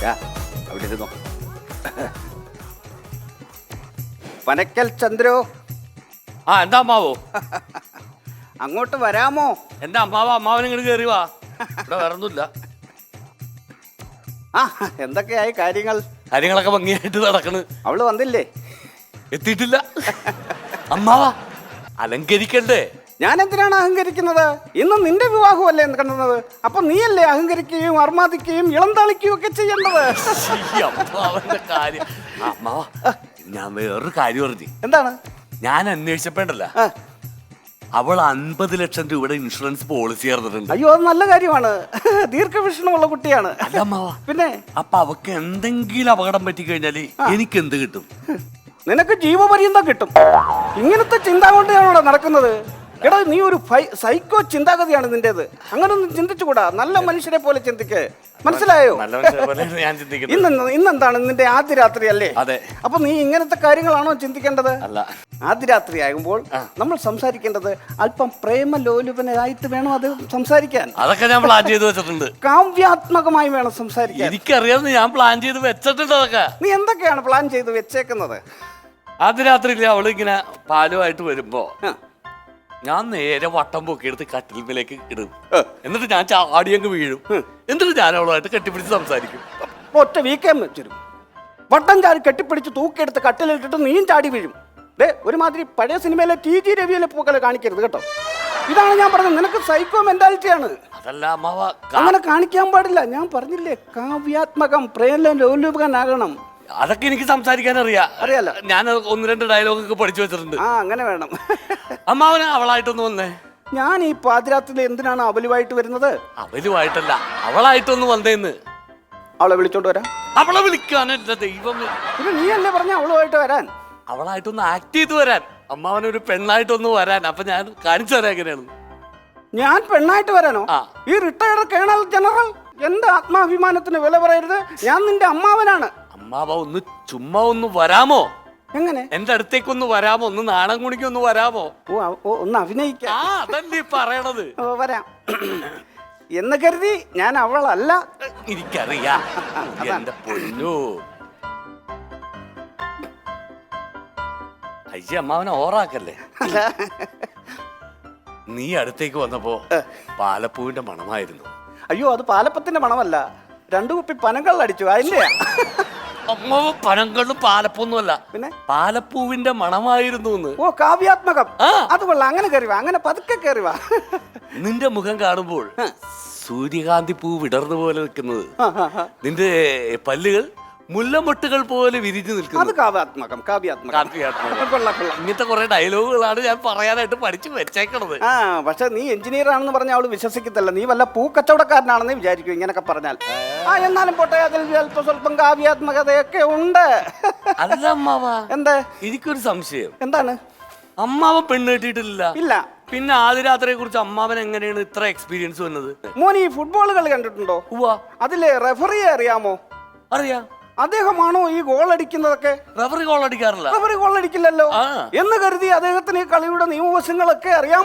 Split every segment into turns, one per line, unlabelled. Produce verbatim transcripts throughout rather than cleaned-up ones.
അവിടെ ഇരുന്നോ. പനക്കൽ ചന്ദ്രോ.
ആ എന്താ അമ്മാവോ?
അങ്ങോട്ട് വരാമോ?
എന്റെ അമ്മാവ അമ്മാവൻ ഇങ്ങോട്ട് കയറി വാ. ഇവിടെ വേറൊന്നുമില്ല.
ആ എന്തൊക്കെയായി കാര്യങ്ങൾ?
കാര്യങ്ങളൊക്കെ ഭംഗിയായിട്ട് നടക്കണ്.
അവള് വന്നില്ലേ?
എത്തിയിട്ടില്ല. അമ്മാവ അലങ്കരിക്കണ്ടേ?
ഞാൻ എന്തിനാണ് അഹങ്കരിക്കുന്നത്? ഇന്ന് നിന്റെ വിവാഹമല്ലേ കണ്ടത്. അപ്പൊ നീയല്ലേ അഹങ്കരിക്കുകയും അർമാദിക്കുകയും ഇളം തളിക്കുകയും ഒക്കെ ചെയ്യേണ്ടത്.
അമ്മാവന്റെ കാര്യം. അമ്മാവ ഞാൻ വേറൊരു കാര്യം പറഞ്ഞു.
എന്താണ്? ഞാൻ
അന്വേഷിച്ചപ്പോണ്ടല്ല, അവൾ അൻപത് ലക്ഷം രൂപയുടെ ഇൻഷുറൻസ് പോളിസി ചേർന്നിട്ടുണ്ട്.
അയ്യോ അത് നല്ല കാര്യമാണ്. ദീർഘവീക്ഷണമുള്ള കുട്ടിയാണ്. പിന്നെ
അപ്പൊ അവക്ക് എന്തെങ്കിലും അപകടം പറ്റി കഴിഞ്ഞാല് എനിക്ക് എന്ത് കിട്ടും?
നിനക്ക് ജീവപര്യന്തം കിട്ടും. ഇങ്ങനത്തെ ചിന്ത കൊണ്ടാണോ നടക്കുന്നത്? എടാ നീ ഒരു സൈക്കോ ചിന്താഗതിയാണ് നിന്റേത്. അങ്ങനൊന്നും ചിന്തിച്ചുകൂടാ. നല്ല മനുഷ്യരെ പോലെ ചിന്തിക്ക്. മനസ്സിലായോ? ഇന്ന് ഇന്നെന്താണ് നിന്റെ ആദ്യ രാത്രി അല്ലേ?
അതെ.
അപ്പൊ നീ ഇങ്ങനത്തെ കാര്യങ്ങളാണോ ചിന്തിക്കേണ്ടത്?
അല്ല.
ആദ്യ രാത്രി ആകുമ്പോൾ നമ്മൾ സംസാരിക്കേണ്ടത് അല്പം പ്രേമലോലുപനായിട്ട് വേണം അത് സംസാരിക്കാൻ.
അതൊക്കെ ഞാൻ പ്ലാൻ ചെയ്ത് വെച്ചിട്ടുണ്ട്.
കാവ്യാത്മകമായി വേണം സംസാരിക്കാൻ.
എനിക്കറിയാവുന്ന ഞാൻ പ്ലാൻ ചെയ്ത് വെച്ചിട്ടുണ്ട്. അതൊക്കെ
നീ എന്തൊക്കെയാണ് പ്ലാൻ ചെയ്ത് വെച്ചേക്കുന്നത്?
ആദ്യ രാത്രി അവള് ഇങ്ങനെ പാലുമായിട്ട് വരുമ്പോ ഞാൻ നേരെ വട്ടം പൊക്കിയെടുത്ത് കട്ടിൽമേലേക്ക് ഇടും. എന്നിട്ട് ഞാൻ ചാടിയങ്ങ് വീഴും. എന്നിട്ട് ഞാൻ അവളുമായിട്ട് കെട്ടിപ്പിടിച്ച് സംസാരിക്കും.
ഒറ്റ വീക്കാൻ വെച്ചിരും. വട്ടം ചാടി കെട്ടിപ്പിടിച്ച് തൂക്കിയെടുത്ത് കട്ടിലിട്ടിട്ട് നീയും ചാടി വീഴും. ഡേ ഒരുമാതിരി പഴയ സിനിമയിലെ ടി ജി രവിയിലെ പൂക്കളെ കാണിക്കരുത് കേട്ടോ. ഇതാണ് ഞാൻ പറഞ്ഞത്. നിനക്ക് സൈക്കോ മെന്റാലിറ്റിയാണ്.
അതല്ല അമ്മാവ,
അങ്ങനെ കാണിക്കാൻ പാടില്ല. ഞാൻ പറഞ്ഞില്ലേ കാവ്യാത്മകം പ്രേമലോലുപനാകണം.
അതൊക്കെ എനിക്ക് സംസാരിക്കാൻ അറിയാം.
അറിയാലോ.
ഞാൻ ഒന്ന് രണ്ട് ഡയലോഗൊക്കെ പഠിച്ചു വെച്ചിട്ടുണ്ട്.
ആ അങ്ങനെ വേണം.
അമ്മാവന് അവളായിട്ടൊന്ന് വന്നേ.
ഞാൻ ഈ പാതിരാത്രിയിൽ എന്തിനാണ് അവലുമായിട്ട് വരുന്നത്?
അവലുമായിട്ടല്ല, അവളായിട്ടൊന്ന് വന്നേന്ന്.
അവളെ വിളിച്ചോണ്ട് വരാം.
അവളെ വിളിക്കാനല്ല ദൈവം.
പിന്നെ നീ അല്ലേ പറഞ്ഞ അവളുമായിട്ട് വരാൻ?
അവളായിട്ടൊന്ന് ആക്ട് ചെയ്ത് വരാൻ. അമ്മാവനൊരു പെണ്ണായിട്ടൊന്ന് വരാൻ. അപ്പൊ ഞാൻ കാണിച്ചു തരാം എങ്ങനെയാണ്.
ഞാൻ പെണ്ണായിട്ട് വരാനോ? ഈ റിട്ടയർഡ് കേണൽ ജനറൽ, എന്റെ ആത്മാഭിമാനത്തിന് വില പറയരുത്. ഞാൻ നിന്റെ അമ്മാവനാണ്.
അമ്മാവ ഒന്ന് ചുമ്മാ ഒന്ന് വരാമോ?
എങ്ങനെ?
എന്റെ അടുത്തേക്കൊന്ന് വരാമോ? ഒന്ന് നാണം കുണിക്ക് ഒന്ന് വരാമോ?
ഓ ഒന്ന് അഭിനയിക്കാം.
അതല്ലേ പറയണത്.
ഓ വരാം എന്ന് കരുതി ഞാൻ അവളല്ല.
എനിക്കറിയാം. എന്റെ പൊന്നു അയ്യ, അമ്മാവനെ ഓറാക്കല്ലേ. നീ അടുത്തേക്ക് വന്നപ്പോ പാലപ്പൂവിന്റെ മണമായിരുന്നു.
അയ്യോ അത് പാലപ്പത്തിന്റെ മണമല്ല. രണ്ടു കുപ്പി പനങ്കള്ളടിച്ചു അതിന്റെ.
അമ്മാവ പനങ്കള്ളും പാലപ്പൊന്നുമല്ല, പിന്നെ പാലപ്പൂവിന്റെ മണമായിരുന്നു.
ഓ കാവ്യാത്മകം. അത് കൊള്ളാം. അങ്ങനെ കയറിവാ, അങ്ങനെ പതുക്കെ കയറിവാ.
നിന്റെ മുഖം കാണുമ്പോൾ സൂര്യകാന്തി പൂ വിടർന്നു പോലെ നിൽക്കുന്നത്, നിന്റെ പല്ലുകൾ മുല്ലമൊട്ടുകൾ പോലെ വിരിഞ്ഞു നിൽക്കുന്നത്.
അത് കാവ്യാത്മകം. കാവ്യാത്മകം.
ഇങ്ങനത്തെ കുറെ ഡയലോഗുകളാണ് ഞാൻ പറയാനായിട്ട് പഠിച്ചു വെച്ചേക്കണത്.
ആ പക്ഷെ നീ എഞ്ചിനീയർ ആണെന്ന് പറഞ്ഞാൽ അവള് വിശ്വസിക്കത്തില്ല. നീ വല്ല പൂക്കച്ചവടക്കാരനാണെന്ന് വിചാരിക്കും ഇങ്ങനൊക്കെ പറഞ്ഞാൽ. ആ എന്നാലും പോട്ടെ, അതിൽ സ്വല്പം സ്വല്പം കാവ്യാത്മകതയൊക്കെ ഉണ്ട്.
അല്ല അമ്മാവ,
എന്താ?
എനിക്കൊരു സംശയം.
എന്താണ്?
അമ്മാവൻ പെണ്ണ് കെട്ടിയിട്ടില്ല.
ഇല്ല.
പിന്നെ ആദ്യ രാത്രിയെ കുറിച്ച് അമ്മാവൻ എങ്ങനെയാണ് ഇത്ര എക്സ്പീരിയൻസ് വന്നത്?
മോൻ ഈ ഫുട്ബോൾ കളി കണ്ടിട്ടുണ്ടോ? അതിലെ റെഫറിയെ അറിയാമോ?
അറിയാം.
അദ്ദേഹമാണോ ഈ ഗോൾ അടിക്കുന്നതൊക്കെ?
റഫറി ഗോൾ അടിക്കാറില്ല.
റഫറി ഗോൾ അടിക്കില്ലല്ലോ എന്ന് കരുതി അദ്ദേഹത്തിന് ഈ കളിയുടെ നിയമവശങ്ങളൊക്കെ അറിയാം.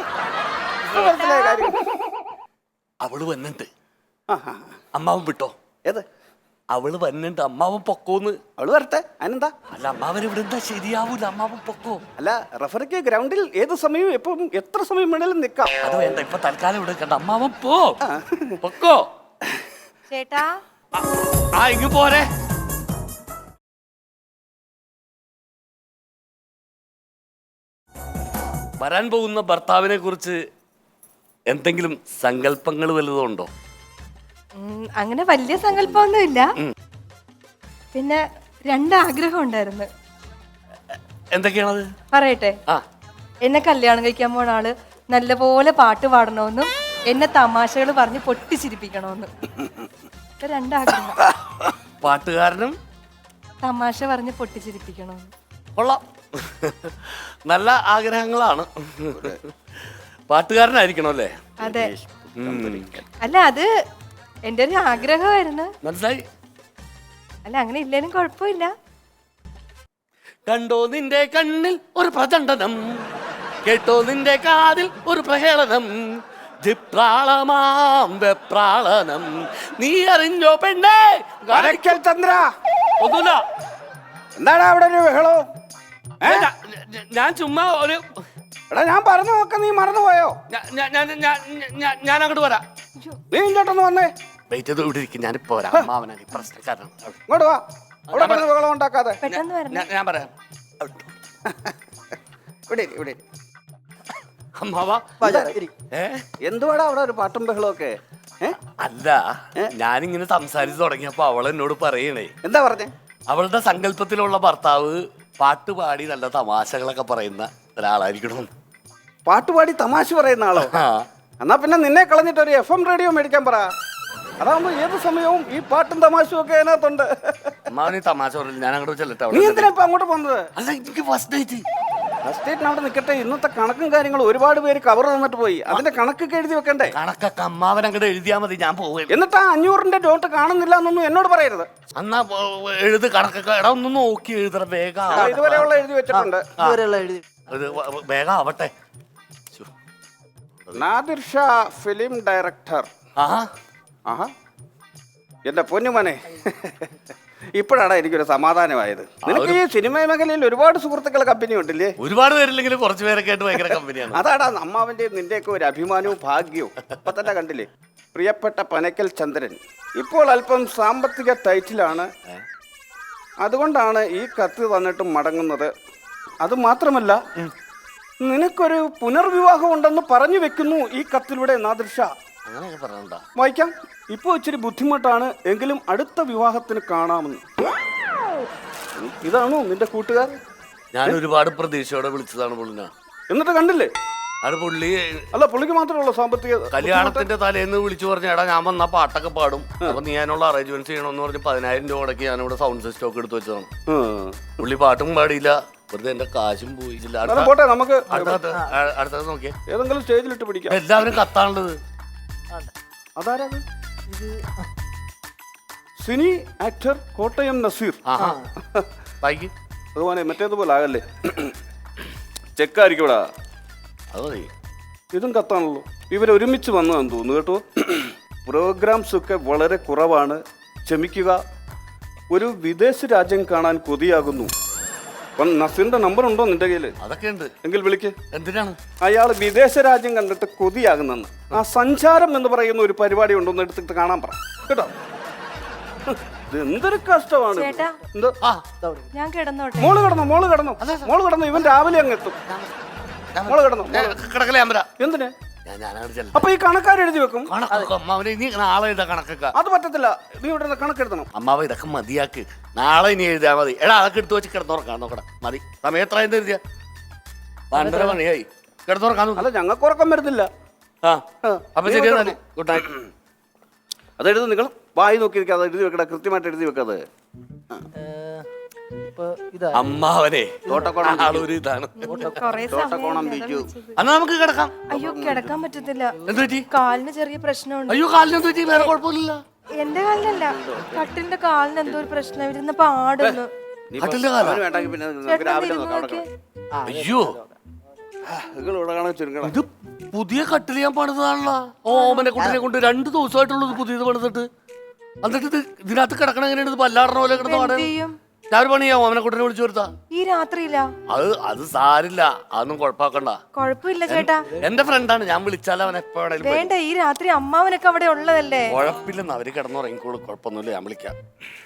അവള് വന്നിട്ട് അമ്മാവൻ വിട്ടോ?
ഏത്
അവള് വന്നിട്ട് അമ്മാവൻ പൊക്കോന്ന്?
അവള് വരട്ടെ, അതിനെന്താ?
അല്ല അമ്മാവൻ ഇവിടെ എന്താ ശരിയാവൂല. അമ്മാവൻ പൊക്കോ?
അല്ല റഫറിക്ക് ഗ്രൗണ്ടിൽ ഏത് സമയവും എപ്പം എത്ര സമയം വേണേലും നിൽക്കാം.
അത് വേണ്ട, ഇപ്പൊ തൽക്കാലം ഇവിടെ കണ്ട. അമ്മാവൻ പോ, പൊക്കോ.
ചേട്ടാ
ആ ഇങ്ങ് പോരെ. വരാൻ പോകുന്ന ഭർത്താവിനെ കുറിച്ച് എന്തെങ്കിലും സങ്കല്പങ്ങൾ വല്ലതും ഉണ്ടോ?
അങ്ങനെ വലിയ സങ്കല്പമൊന്നുമില്ല. പിന്നെ രണ്ടാഗ്രഹം ഉണ്ടായിരുന്നു.
എന്തൊക്കെയാണത്?
പറയട്ടെ. എന്നെ കല്യാണം കഴിക്കാൻ പോണ ആള് നല്ലപോലെ പാട്ട് പാടണമെന്നും എന്നെ തമാശകൾ പറഞ്ഞ് പൊട്ടിച്ചിരിപ്പിക്കണമെന്നും. രണ്ടാഗ്രഹം.
പാട്ടുകാരനും
തമാശ പറഞ്ഞ് പൊട്ടിച്ചിരിപ്പിക്കണമെന്നും.
കൊള്ളാം, നല്ല ആഗ്രഹങ്ങളാണ്. പാട്ടുകാരനായിരിക്കണം അല്ലേ?
അതെ. അല്ല അത് എന്റെ ഒരു ആഗ്രഹമായിരുന്നു.
മനസ്സിലായി.
അല്ല അങ്ങനെ ഇല്ലേലും കുഴപ്പമില്ല.
കണ്ടോ നിന്റെ കണ്ണിൽ ഒരു പ്രചണ്ഡനം, കേട്ടോ നിന്റെ കാതിൽ ഒരു പ്രഹേളനം, ജിപ്രാളമാം വെപ്രാളനം നീ അറിഞ്ഞോ പെണ്ണേ.
പനക്കൽ ചന്ദ്ര,
ഒന്നുമില്ല.
എന്താണ് അവിടെ ഒരു ബഹളവും?
ഞാൻ- ഞാൻ- ഞാൻ ചുമ്മാ ഒരു
എടാ ഞാൻ പറഞ്ഞു നോക്ക, നീ മറന്നുപോയോ?
ഞാൻ- ഞാൻ- ഞാൻ- ഞാൻ- ഞാൻ- ഞാൻ അങ്ങോട്ട് വരാം.
നീ ഇങ്ങോട്ടൊന്ന് വന്നേ.
വെയിറ്റ് ചെയ്ത് ഇവിടെ ഇരിക്കും, ഞാനിപ്പോ വരാം. അമ്മാവനാണ് ഈ പ്രശ്നക്കാരനാണ്.
ഇങ്ങോട്ട് വാ, അവിടെ കിടന്ന് ബഹളം ഉണ്ടാക്കാതെ.
പെട്ടെന്ന് വരണം.
ഞാൻ- ഞാൻ പറയാം.
ഇവിടെ ഇരി, ഇവിടെ ഇരി.
അമ്മാവ ഏ
എന്തുവാടാ അവിടെ ഒരു പാട്ടും ബഹളവും ഒക്കെ? ഏ?
അല്ല, ഞാനിങ്ങനെ സംസാരിച്ചു തുടങ്ങിയപ്പോ അവൾ എന്നോട് പറയണേ,
എന്താ പറഞ്ഞേ?
അവളുടെ സങ്കല്പത്തിലുള്ള ഭർത്താവ് പാട്ട് പാടി നല്ല തമാശകളൊക്കെ പറയുന്ന ഒരാളായിരിക്കണം.
പാട്ടുപാടി തമാശ പറയുന്ന ആളോ?
ആ.
എന്നാ പിന്നെ നിന്നെ കളഞ്ഞിട്ട് ഒരു എഫ് എം റേഡിയോ മേടിക്കാൻ പറ. അതാകുമ്പോ ഏത് സമയവും ഈ പാട്ടും തമാശയും ഒക്കെ അതിനകത്തുണ്ട്.
അമ്മാവന് ഈ തമാശ പറഞ്ഞു. ഞാൻ അങ്ങോട്ട് ചെല്ലട്ടെ.
നീ
അവിടെ
എന്തിനാ ഇപ്പൊ അങ്ങോട്ട് പോകുന്നത്?
അല്ല, എനിക്ക് ഫസ്റ്റ് ഡേറ്റ്.
ഫസ്റ്റേറ്റിന് അവിടെ നിൽക്കട്ടെ. ഇന്നത്തെ കണക്കും കാര്യങ്ങളും ഒരുപാട് പേര് കവർ തന്നിട്ട് പോയി. അതിന്റെ കണക്കൊക്കെ എഴുതി വെക്കണ്ടേ?
കണക്കൊക്കെ അമ്മാവൻ അങ്ങോട്ട് എഴുതിയാ മതി, ഞാൻ പോവുകയും.
എന്നിട്ട് ആ അഞ്ഞൂറിന്റെ നോട്ട് കാണുന്നില്ല എന്നൊന്നും എന്നോട് പറയരുത്.
എന്നാ ഏ, എഴുത് കണക്കൊക്കെ. എടാ ഒന്ന് നോക്കി എഴുതറ വേഗം.
ആ, ഇതുവരെയുള്ള എഴുതി വെച്ചിട്ടുണ്ട്.
ഇത് വ- വ- വേഗം ആവട്ടെ. ശ്ശോ.
Nadir Shah film director.
ആഹാ.
ആഹാ, എന്റെ പൊന്നുമനെ, ഇപ്പോഴാണ് എനിക്കൊരു സമാധാനമായത്. നിനക്ക് ഈ സിനിമ മേഖലയിൽ ഒരുപാട് സുഹൃത്തുക്കൾ കമ്പനി ഉണ്ടല്ലേ?
ഒരുപാട് പേരില്ലെങ്കിലും കുറച്ച് പേരൊക്കെ ആയിട്ട് ഭയങ്കര കമ്പനിയാണ്.
അതാടാ അമ്മാവന്റെ നിന്റെയൊക്കെ ഒരു അഭിമാനവും ഭാഗ്യവും. ഇപ്പൊ തന്നെ കണ്ടില്ലേ, പ്രിയപ്പെട്ട പനക്കൽ ചന്ദ്രൻ ഇപ്പോൾ അല്പം സാമ്പത്തിക ടൈറ്റിലാണ്. അതുകൊണ്ടാണ് ഈ കത്ത് തന്നിട്ടും മടങ്ങുന്നത്. അത് മാത്രമല്ല, നിനക്കൊരു പുനർവിവാഹം ഉണ്ടെന്ന് പറഞ്ഞു വെക്കുന്നു ഈ കത്തിലൂടെ നാദിർ ഷാ.
അങ്ങനെയൊക്കെ പറഞ്ഞാ
വായിക്കാം. ഇപ്പോൾ ഇച്ചിരി ബുദ്ധിമുട്ടാണ്, എങ്കിലും അടുത്ത വിവാഹത്തിന് കാണാമെന്ന്. ഇതാണോ നിന്റെ കൂട്ടുകാർ?
ഞാൻ ഒരുപാട് പ്രതീക്ഷയോടെ വിളിച്ചതാണ് പുള്ളിന.
എന്നിട്ട് കണ്ടില്ലേ?
അത് പുള്ളി
അല്ല, പുള്ളിക്ക് മാത്രമുള്ള സാമ്പത്തിക
കല്യാണത്തിന്റെ തലേന്ന് വിളിച്ചു പറഞ്ഞ, എടാ ഞാൻ വന്നാ പാട്ടൊക്കെ പാടും, അപ്പൊ നീ അതിനുള്ള അറേഞ്ച്മെന്റ്സ് ചെയ്യണമെന്ന് പറഞ്ഞ് പതിനായിരം രൂപ മുടക്കി ഞാനിവിടെ സൗണ്ട് സിസ്റ്റം ഒക്കെ എടുത്ത് വെച്ചതാണ്.
ഉം.
പുള്ളി പാട്ടും പാടിയില്ല, വെറുതെ എന്റെ കാശും പോയില്ല.
എന്നാലും പോട്ടെ, നമുക്ക്
അടുത്തത് അടുത്തത് നോക്കിയേ.
ഏതെങ്കിലും സ്റ്റേജിലിട്ട് പിടിക്കാം.
എല്ലാവരും കത്താണുള്ളത്.
അതാരാ? Cine actor Kottayam Nazir.
ആഹാ. ബൈക്ക്
അതുപോലെ മറ്റേതുപോലെ ആകല്ലേ, ചെക്കായിരിക്കും ഇവിടെ.
അത് മതി.
ഇതും കത്താണല്ലോ. ഇവരൊരുമിച്ച് വന്നതെന്ന് തോന്നുന്നു കേട്ടോ. പ്രോഗ്രാംസ് ഒക്കെ വളരെ കുറവാണ്, ക്ഷമിക്കുക. ഒരു വിദേശ രാജ്യം കാണാൻ കൊതിയാകുന്നു. അപ്പം നസീറിന്റെ നമ്പർ ഉണ്ടോ നിന്റെ കയ്യില്?
അതൊക്കെ ഉണ്ട്.
എങ്കിൽ വിളിക്ക്.
എന്തിനാണ്?
അയാൾ വിദേശ രാജ്യം കണ്ടിട്ട് കൊതിയാകുന്നെന്ന്. ആ സഞ്ചാരം എന്ന് പറയുന്ന ഒരു പരിപാടി ഉണ്ടോന്ന് എടുത്തിട്ട് കാണാൻ പറ കേട്ടോ. ഇത് എന്തൊരു കഷ്ടമാണ്.
ചേട്ടാ.
എന്തോ?
ആ
ഞാൻ കിടന്നോട്ടെ.
മോള് കിടന്നു, മോള് കിടന്നു, മോള് കിടന്നു. ഇവൻ രാവിലെ അങ്ങ് എത്തും. മോള് കിടന്നു.
കിടക്കലേ അമ്പര.
എന്തിന്?
ഞാൻ ഞാനങ്ങോട്ട് ചെല്ലാം.
അപ്പൊ ഈ കണക്കാർ എഴുതി വെക്കും.
കണക്കൊക്കെ അമ്മാവനെ നീ നാളെ എഴുതാ കണക്കൊക്കെ.
അത് പറ്റത്തില്ല, നീ ഇവിടെ നിന്ന് കണക്കെടുത്തണം.
അമ്മാവ ഇതൊക്കെ മതിയാക്ക്, നാളെ ഇനി എഴുതിയാ മതി. എടാ അതൊക്കെ എടുത്ത് വെച്ച് കിടന്നുറക്കാൻ നോക്കടാ. മതി. സമയം എത്ര എന്ത് എഴുതിയ? പണ്ടര മണിയായി. കിടന്നുറക്കാൻ നോക്കാം.
അല്ല, ഞങ്ങൾക്ക് ഉറക്കം വരുന്നില്ല.
ആ
ആ.
അപ്പൊ ശരി എന്നാല് ഗുഡ് നൈറ്റ്.
അതെഴുതി നിങ്ങൾ വായി നോക്കി നിൽക്കുക. അത് എഴുതി വെക്കട, കൃത്യമായിട്ട് എഴുതി വെക്കാതെ.
അമ്മാവനെ
തോട്ടക്കോണം
ആളൊരു ഇതാണ്.
കൊറേ
തോട്ടക്കോണം ബിജു.
അന്ന് നമുക്ക് കിടക്കാം.
അയ്യോ, കിടക്കാൻ പറ്റത്തില്ല.
എന്ത് പറ്റി?
കാലിന് ചെറിയ പ്രശ്നമുണ്ട്.
അയ്യോ കാലിന് എന്ത് പറ്റി? വേറെ കുഴപ്പമില്ല.
എന്റെ കാലിനല്ല, കട്ടിലിന്റെ കാലിന് എന്തോ ഒരു പ്രശ്നം. ഇരുന്ന് പാടുന്നു.
കട്ടിലിന്റെ കാലാ?
അവന് വേണ്ടെങ്കിൽ പിന്നെ നമുക്ക്
ചേട്ടൻ
രാവിലെ
ഇരുന്ന്
നോക്കാം.
നോക്കിയേ.
അയ്യോ
നിങ്ങൾ ഇവിടെ കാണാൻ ചുരുക്കണം.
ഇത് പുതിയ കട്ടിൽ ഞാൻ പണിതാണല്ലോ. ഓമനെ കുട്ടിനെ കൊണ്ട് രണ്ട് ദിവസമായിട്ടുള്ളത് പുതിയത് പണിതിട്ട്. എന്നിട്ട് ഇത് ഇതിനകത്ത് കിടക്കണ എങ്ങനെയാണ്? ഇത് പല്ലാടണ പോലെ കിടന്ന്
എന്ത്
പാടാൻ.
ചെയ്യും?
ഞാൻ ഒരു പണിയാ ഓമനെ കുട്ടിനെ വിളിച്ചു വരുത്താ.
ഈ രാത്രിയില്ല?
അത് അത് സാരില്ല, അതൊന്നും കുഴപ്പമാക്കണ്ട.
കൊഴപ്പില്ല ചേട്ടാ.
എന്റെ ഫ്രണ്ടാണ്, ഞാൻ വിളിച്ചാൽ അവൻ എപ്പോ വേണേലും വരും.
വേണ്ട, ഈ രാത്രി അമ്മാവനൊക്കെ അവിടെ ഉള്ളതല്ലേ.
കുഴപ്പമില്ലെന്ന് അവര് കിടന്നുറങ്ങിക്കോളും, കുഴപ്പമൊന്നുമില്ല. ഞാൻ വിളിക്കാം.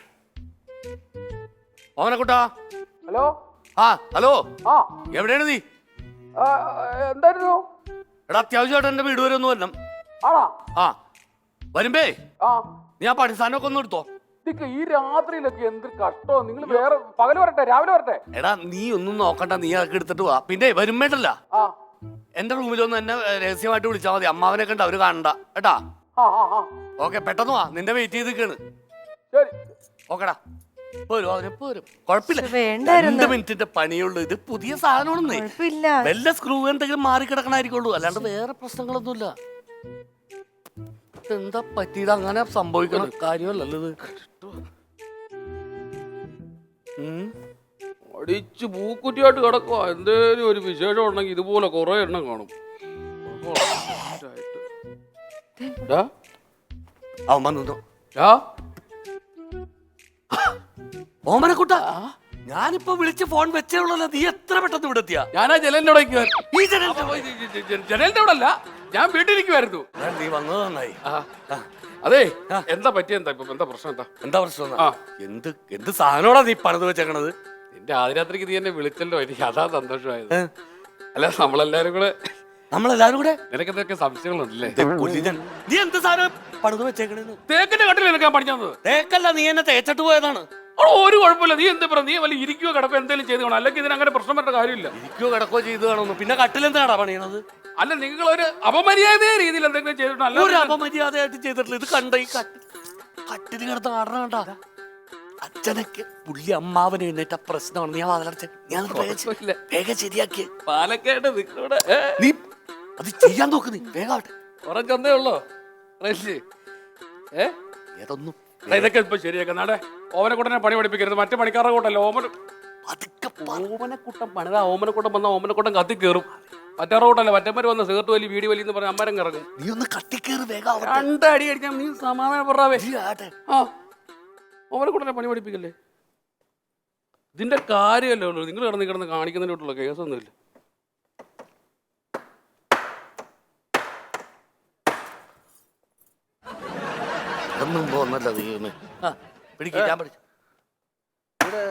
ഓമനെ കുട്ടാ.
ഹലോ.
ആ ഹലോ.
ആ
എവിടെയാണ് നീ?
എന്തായിരുന്നു?
എടാ അത്യാവശ്യമായിട്ട് എന്റെ വീട് വരെ ഒന്ന് വരണം.
ആണോ?
ആ വരുമ്പേ
ആ
നീ ആ പഠിസ്ഥാനമൊക്കെ ഒന്ന് എടുത്തോ.
ഈ രാത്രിയിലൊക്കെ എന്ത് കഷ്ടോ. നിങ്ങൾ വേറെ പകല് വരട്ടെ, രാവിലെ വരട്ടെ.
എടാ നീ ഒന്നും നോക്കണ്ട, നീ അതൊക്കെ എടുത്തിട്ട് വാ. പിന്നെ വരുമ്പേട്ടല്ല
ആ
എന്റെ റൂമിലൊന്ന് എന്നെ രഹസ്യമായിട്ട് വിളിച്ചാൽ മതി. അമ്മാവനെ കണ്ട അവര് കാണണ്ട കേട്ടാ.
ആ ആ
ഓക്കെ, പെട്ടെന്ന് വാ, നിന്റെ വെയിറ്റ് ചെയ്ത് നിൽക്കാണ്.
ശരി.
ഓക്കെടാ, പോരും അവനെപ്പോ വരും. കുഴപ്പമില്ല,
വേണ്ടായിരുന്നു.
രണ്ട് മിനിറ്റിന്റെ പണിയുള്ളൂ. ഇത് പുതിയ സാധനമാണെന്നേ.
കൊഴപ്പില്ല.
വല്ല സ്ക്രൂ എന്തെങ്കിലും മാറി കിടക്കണായിരിക്കുള്ളൂ, അല്ലാണ്ട് വേറെ പ്രശ്നങ്ങളൊന്നുമില്ല. എന്താ പറ്റിയത്? അങ്ങനെ സംഭവിക്കണം കാര്യമല്ലല്ലോ ഇത്. ഉം.
അടിച്ച് പൂക്കുറ്റിയായിട്ട് കിടക്കുക. എന്തേലും ഒരു വിശേഷം ഉണ്ടെങ്കിൽ ഇതുപോലെ കുറെ എണ്ണം കാണും. ഡാ,
അവൻ വന്നു.
ഡാ,
ഓമനക്കുട്ട, ഞാനിപ്പോ വിളിച്ച് ഫോൺ വെച്ചേ ഉള്ളല്ലോ, നീ എത്ര പെട്ടെന്ന് ഇവിടെ എത്തിയാ?
ഞാനാ ജനലിന്റെ അവിടെ നിൽക്കുവായിരുന്നു.
ഈ ജനലിന്റെ
അപ്പൊ ഈ ജ- ജ- ജനലിന്റെ അവിടെ അല്ല, ഞാൻ വീട്ടിലിരിക്കുവായിരുന്നു.
ഞാൻ നീ വന്നത് നന്നായി.
ആ, അതെ, എന്താ പറ്റിയ എന്താ ഇപ്പൊ എന്താ പ്രശ്നം എന്താ?
എന്താ പ്രശ്നം?
ആ.
എന്ത് എന്ത് സാധനോടാ നീ പണിത് വെച്ചേക്കണത്?
നിന്റെ ആദ്യരാത്രിക്ക് നീ എന്നെ വിളിച്ചല്ലോ, എനിക്ക് അതാ സന്തോഷമായത്. അല്ല, നമ്മളെല്ലാരും കൂടെ
നമ്മളെല്ലാരും കൂടെ
നിനക്ക് എന്തൊക്കെ സംശയങ്ങളുണ്ടല്ലേ?
ദേ കൊല്ലിഞ്ഞൻ. നീ എന്ത് സാധനം പണിത് വെച്ചേക്കണെന്ന്?
തേക്കിന്റെ കട്ടിൽ നിനക്ക് ഞാൻ പഠിച്ചു തന്നത്.
തേക്കല്ല, നീ എന്നെ തേച്ചിട്ട് പോയതാണ്.
അവിടെ ഒരു കുഴപ്പമില്ല. നീ എന്താ പറയാ, നീ വല്ല ഇരിക്കുകയോ കിടക്കോ എന്തെങ്കിലും ചെയ്ത് കാണും, അല്ലെങ്കിൽ ഇതിനങ്ങനെ പ്രശ്നം വരേണ്ട കാര്യമില്ല.
ഇരിക്കോ കിടക്കോ ചെയ്ത് കാണുന്നു. പിന്നെ കട്ടിലെന്താടാ പണിയണത്?
അല്ല, നിങ്ങൾ ഒരു അപമര്യാദ രീതിയിൽ എന്തെങ്കിലും ചെയ്തിട്ടുണ്ടോ?
ഒരു
അല്ല,
അപമര്യാദയായിട്ട് ചെയ്തിട്ടില്ല. ഇത് കണ്ട ഈ കട്ടിൽ കട്ടില് കിടന്ന് ആടണ കണ്ടാ? അച്ഛനൊക്കെ പുള്ളി അമ്മാവന് എഴുന്നേറ്റ പ്രശ്നമാണ്. നീ വാതിലടച്ച ഞാൻ
കുഴപ്പമില്ല.
വേഗം ശരിയാക്കിയ
പാലക്കാട് നിങ്ങളുടെ
നീ അത് ചെയ്യാൻ നോക്ക്. നീ വേഗാവട്ടെ.
ഉറച്ചൊന്നേ ഉള്ളോ റേഷ്? ഏ
ഏതൊന്നും
എടാ, ഇതൊക്കെ ഇപ്പൊ ശരിയാക്കാം. നാടെ ഓമനക്കുട്ടനെ പണി പഠിപ്പിക്കരുത്. മറ്റേ പണിക്കാരുടെ കൂട്ടല്ലേ ഓമന
പതുക്കെ
ഓമനക്കുട്ടൻ പണിതാ. ഓമനക്കുട്ടൻ വന്ന ഓമനക്കുട്ടൻ കത്തി കയറും. മറ്റേ കൂട്ടല്ലേ മറ്റന്മാര് വന്ന സിഗരറ്റ് വലി വീടി വലി എന്ന് പറഞ്ഞ അമ്മരം കിറങ്ങും.
നീ ഒന്ന് കട്ടിക്കേറി വേഗാവട്ടെ.
രണ്ടടി അടിക്കാം. നീ സമാധാനം പറയാവേ.
ആട്ടെ.
ആ, ഓമനക്കുട്ടനെ പണി പഠിപ്പിക്കല്ലേ. ഇതിന്റെ കാര്യമല്ലേ ഉള്ളൂ. നിങ്ങൾ കിടന്ന് കിടന്ന് കാണിക്കുന്നതിനോട്ടുള്ള കേസൊന്നുമില്ല.
ഒന്നും പോന്നല്ല നീ ഒന്ന് പിടിക്കാൻ ഞാൻ പഠിച്ചു.
ഇവിടെ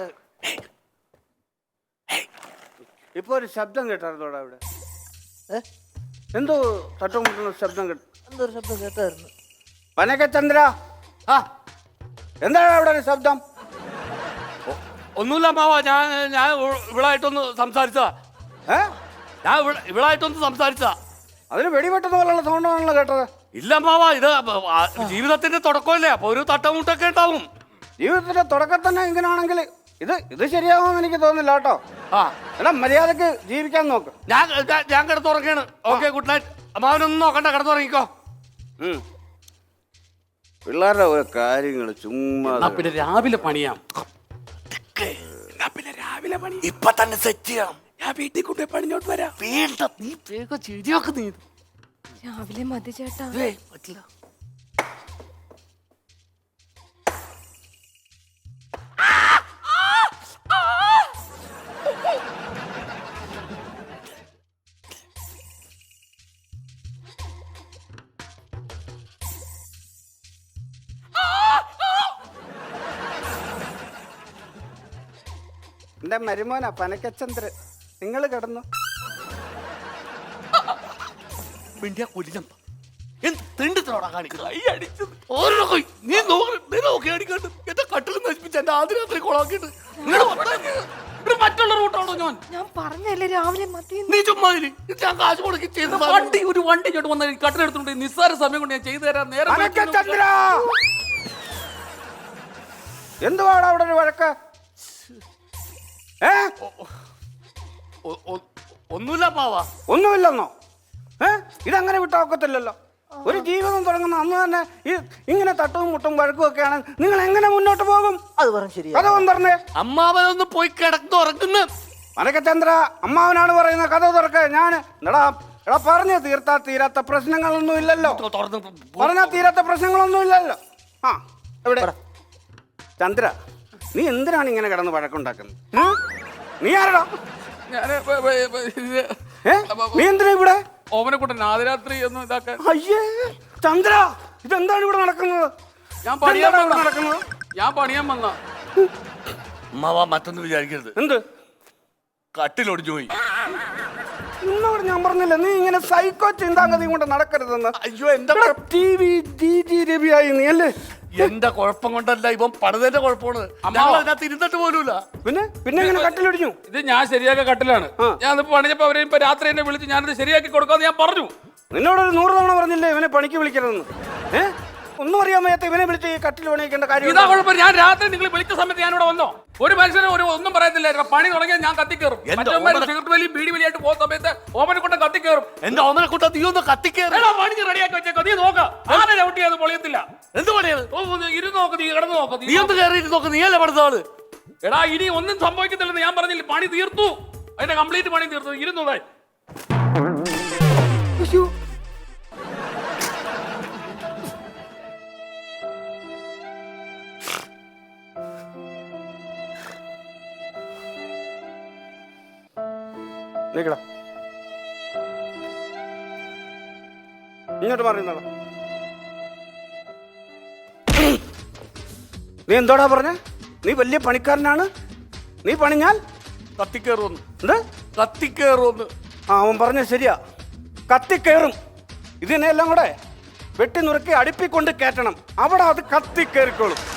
ഇപ്പൊ ഒരു ശബ്ദം കേട്ടായിരുന്നോടാ ഇവിടെ? എന്തോ തട്ടും മുട്ടുന്ന ശബ്ദം കേട്ടു.
എന്തൊരു ശബ്ദം കേട്ടായിരുന്നു?
പനക്കചന്ദ്ര,
ആ,
എന്താണ് അവിടെ ഒരു ശബ്ദം?
ഒന്നുമില്ല മാവാ. ഞാൻ ഞാൻ ഇവിടായിട്ടൊന്ന് സംസാരിച്ചതാ.
ഏ
ഞാൻ ഇവിടെ ഇവിടായിട്ടൊന്ന് സംസാരിച്ചതാ.
അതിന് വെടിവെട്ടുന്ന പോലുള്ള സൗണ്ടാണല്ലോ കേട്ടത്.
ഇല്ല മാവാ, ഇത് ആ ജീവിതത്തിന്റെ തുടക്കമല്ലേ, അപ്പൊ ഒരു തട്ടമുട്ടൊക്കെ ഉണ്ടാവും.
ജീവിതത്തിന്റെ തുടക്കം തന്നെ ഇങ്ങനെയാണെങ്കിൽ ഇത് ഇത് ശരിയാവുമെന്ന് എനിക്ക് തോന്നുന്നില്ല കേട്ടോ.
ആ,
എടാ, മര്യാദക്ക് ജീവിക്കാൻ നോക്ക്.
ഞാൻ ഞാൻ- ഞാൻ കിടന്നുറങ്ങാണ്. Okay, good night. അമ്മാവനൊന്നും നോക്കണ്ട, കിടന്നുറങ്ങിക്കോ.
ഉം. പിള്ളേരുടെ ഓരോ കാര്യങ്ങൾ ചുമ്മാ.
എന്നാ പിന്നെ രാവിലെ പണിയാം.
എന്നാ പിന്നെ രാവിലെ പണി ഇപ്പൊ തന്നെ സെറ്റ് ചെയ്യണം.
ഞാൻ വീട്ടിൽ കൊണ്ടേ പണിഞ്ഞോട്ട് വരാം.
വേണ്ട, നീ വേഗം ശരിയാക്ക്. നീ
രാവിലെ മതി ചേട്ടാ.
ഏയ്, പറ്റില്ല.
എന്റെ മരുമോനാ പനക്കചന്ദ്രൻ. നിങ്ങൾ കിടന്നു.
മിണ്ടിയാ കൊല്ലിനം. എന്ത് തെണ്ടിത്തനോടാ കാണിക്കുന്നത്? കൈ അടിച്ചത് ഓരോ കൈ. നീ നോക്ക്, നീ നോക്കി അടിക്കാണ്ട് എന്റെ കട്ടിൽ നശിപ്പിച്ച എന്റെ ആദ്യ രാത്രി കൊളാക്കിയിട്ട്
മറ്റുള്ള റൂട്ടാണോ ഞാൻ?
ഞാൻ പറഞ്ഞല്ലേ രാവിലെ മതി.
നീ ചുമ്മാ ഇരി. ഇത് ഞാൻ കാശ് മുടക്കി ചെയ്ത
വണ്ടി ഒരു വണ്ടി ഇങ്ങോട്ട് വന്നാൽ കട്ടിലെടുത്തുണ്ട്. നിസ്സാര സമയം കൊണ്ട് ഞാൻ ചെയ്തു തരാം. നേരെ
പനക്കചന്ദ്ര, എന്തുവാടാ അവിടെ ഒരു വഴക്ക്? ഏ
ഒന്നുമില്ല പാവാ.
ഒന്നുമില്ലെന്നോ? ഏ ഇതങ്ങനെ വിട്ടാക്കത്തില്ലല്ലോ. ഒരു ജീവിതം തുടങ്ങുന്ന അന്ന് തന്നെ ഈ ഇങ്ങനെ തട്ടും മുട്ടും വഴക്കും ഒക്കെയാണ്. നിങ്ങൾ എങ്ങനെ മുന്നോട്ട് പോകും?
അത് പറഞ്ഞ ശരിയാ.
കഥ തുറന്നേ.
അമ്മാവനൊന്ന് പോയി കിടന്നുറങ്ങുന്ന
പനക്കചന്ദ്ര, അമ്മാവനാണ് പറയുന്ന കഥ തുറക്ക. ഞാൻ എടാ എടാ പറഞ്ഞ തീർത്താ തീരാത്ത പ്രശ്നങ്ങളൊന്നും ഇല്ലല്ലോ.
തുറന്ന്
പറഞ്ഞാ തീരാത്ത പ്രശ്നങ്ങളൊന്നും ഇല്ലല്ലോ. ആ എവിടെ ചന്ദ്ര, നീ എന്തിനാണ് ഇങ്ങനെ കിടന്ന് വഴക്കുണ്ടാക്കുന്നത്? ഉം? നീ ആരടാ?
ഞാൻ
ഏ നീ എന്തിനാ ഇവിടെ?
ഓമനക്കുട്ടൻ ആദ്യരാത്രി ഒന്നും ഇതാക്കാൻ.
അയ്യേ ചന്ദ്ര, ഇതെന്താണ് ഇവിടെ നടക്കുന്നത്?
ഞാൻ പണിയാൻ
ഇതെന്താണ് ഇവിടെ
വന്ന
നടക്കുന്നത്?
ഞാൻ പണിയാൻ വന്ന
അമ്മാവാ മറ്റൊന്നും വിചാരിക്കരുത്.
എന്ത്
കട്ടിലൊടിഞ്ഞു പോയി.
ഇന്നോട് ഞാൻ പറഞ്ഞില്ല നീ ഇങ്ങനെ സൈക്കോ ചിന്താഗതി കൊണ്ട് നടക്കരുതെന്ന്.
അയ്യോ, എന്റെ
ടി വി ഡി ജി രവിയായി നീ അല്ലേ?
എന്റെ കുഴപ്പം കൊണ്ടല്ല, ഇവൻ പണിതന്റെ കുഴപ്പമാണ്. ഞങ്ങൾ അതിനകത്ത് ഇരുന്നിട്ട് പോലുമില്ല.
പിന്നെ പിന്നെ ഇങ്ങനെ കട്ടിലൊടിഞ്ഞു.
ഇത് ഞാൻ ശരിയാക്കിയ കട്ടിലാണ്. ഞാൻ ഇപ്പൊ പണിഞ്ഞപ്പോ അവരെ ഇപ്പൊ രാത്രി എന്നെ വിളിച്ച് ഞാനിത് ശരിയാക്കി കൊടുക്കാന്ന് ഞാൻ പറഞ്ഞു.
നിന്നോടൊരു നൂറ് തവണ പറഞ്ഞില്ലേ ഇവനെ പണിക്ക് വിളിക്കരുതെന്ന്? ഏ ഒന്നും അറിയാൻ വയ്യാത്ത ഇവനെ വിളിച്ച് ഈ കട്ടിൽ പണിയിക്കേണ്ട കാര്യം?
ഇതാ കുഴപ്പം. ഞാൻ രാത്രി നിങ്ങൾ വിളിച്ച സമയത്ത് ഞാൻ ഇവിടെ വന്നോ? ഒരു മനുഷ്യനും ഒരു ഒന്നും പറയത്തില്ല. പണി തുടങ്ങിയാൽ ഞാൻ കത്തിക്കേറും. സിഗരറ്റ് വലിയും ബീഡി വലിയായിട്ട് പോകുന്ന സമയത്ത് ഓമനക്കുട്ടൻ കത്തിക്കേറും.
എന്റെ ഓമനക്കുട്ട നീ ഒന്ന് കത്തിക്കേറി.
പണി റെഡിയാക്കി വെച്ചേക്കോ. നീ നോക്കാം. ആരെ ചവിട്ടി അത് പൊളിയത്തില്ല.
എന്ത് പണിയത്?
ഇരുന്ന് നോക്ക്, നീ കിടന്ന് നോക്ക്.
നീ ഒന്ന് കയറിയിട്ട് നോക്ക്. നീ അല്ലേ പണിത ആള്?
എടാ ഇനി ഒന്നും സംഭവിക്കത്തില്ലെന്ന് ഞാൻ പറഞ്ഞില്ല. പണി തീർത്തു. അതിന്റെ കംപ്ലീറ്റ് പണി തീർത്തു. ഇരുന്നൂടെ
നീക്കടാ. ഇങ്ങോട്ട് പറയുന്നടാ. നീ എന്തോടാ പറഞ്ഞ? നീ വലിയ പണിക്കാരനാണ്, നീ പണിഞ്ഞാൽ
കത്തിക്കേറുമെന്ന്.
എന്ത്
കത്തിക്കേറുമെന്ന്.
ആ അവൻ പറഞ്ഞ ശരിയാ, കത്തിക്കയറും. ഇതിനെല്ലാം കൂടെ വെട്ടി നുറുക്കി അടുപ്പിക്കൊണ്ട് കയറ്റണം, അവിടെ അത് കത്തിക്കേറിക്കോളും.